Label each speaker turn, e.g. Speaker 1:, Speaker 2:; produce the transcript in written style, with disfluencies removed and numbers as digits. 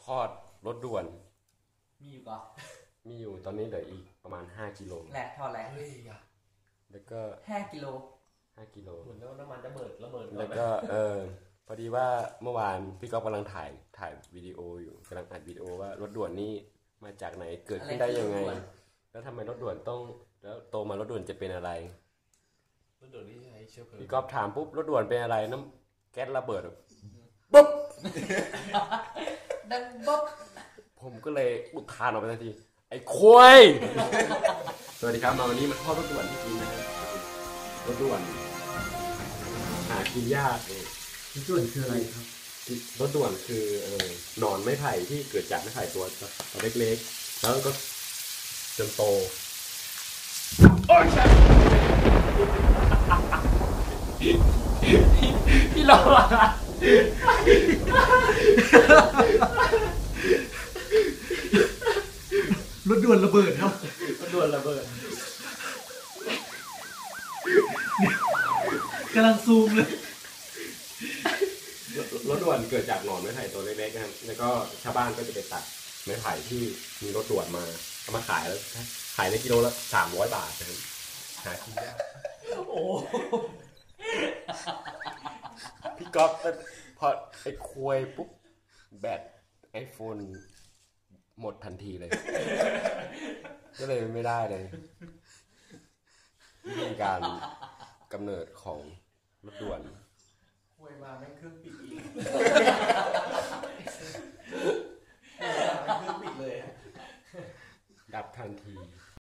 Speaker 1: ทอดรถด่วน
Speaker 2: มีอยู่ก่อน
Speaker 1: มีอยู่ตอนนี้เหลืออีกประมาณ5กิโล
Speaker 2: แหลกทอดแหลก
Speaker 1: แล้วก็
Speaker 2: 5 กิโล
Speaker 1: เห
Speaker 3: มือนน้ำมันจะระเบิด
Speaker 1: แล้วก็พอดีว่าเมื่อวานพี่ก๊อฟกำลังถ่ายวิดีโออยู่กำลังอัดวิดีโอว่ารถด่วนนี่มาจากไหนเกิดขึ้นได้ยังไงแล้วทำไมรถด่วนต้องแล้วโตมารถด่วนจะเป็นอะไร
Speaker 3: รถด่วนนี่ใช้เชื้อเพลิง
Speaker 1: พี่ก๊อฟถามปุ๊บรถด่วนเป็นอะไรน้ำแก๊สระเบิดปุ๊บ
Speaker 2: ดังบ๊อบ
Speaker 1: ผมก็เลยอุทานออกไปทันทีไอ้ควายสวัสดีครับมาวันนี้มาทอดรถด่วนที่กินนะครับรถด่วนหากินยาก
Speaker 4: รถด่วนคืออะไรครับ
Speaker 1: รถด่วนคือหนอนไม้ไผ่ที่เกิดจากไม้ไผ่ตัวเล็กๆแล้วก็จนโตโอ้ยพี่หลอก
Speaker 4: รถด่วนระเบิดครับ
Speaker 1: รถด่วนระเบิด
Speaker 4: กำลังซูมเลย
Speaker 1: รถด่วนเกิดจากหนอนไม้ไผ่ตัวเล็กๆนะครับแล้วก็ชาวบ้านก็จะไปตัดไม้ไผ่ที่มีรถด่วนมาเอามาขายแล้วขายในกิโลละ300 บาทนะครับหากินยาก
Speaker 2: โอ้
Speaker 1: พี่ก๊อฟพอไอ้คุยปุ๊บแบตไอโฟนหมดทันทีเลยก็เลยไม่ได้เลยวิธีการกำเนิดของรถด่วน
Speaker 2: คุยมาแม่งเครื่องปิดอีกเครื่องปิดเลย
Speaker 1: ดับทันที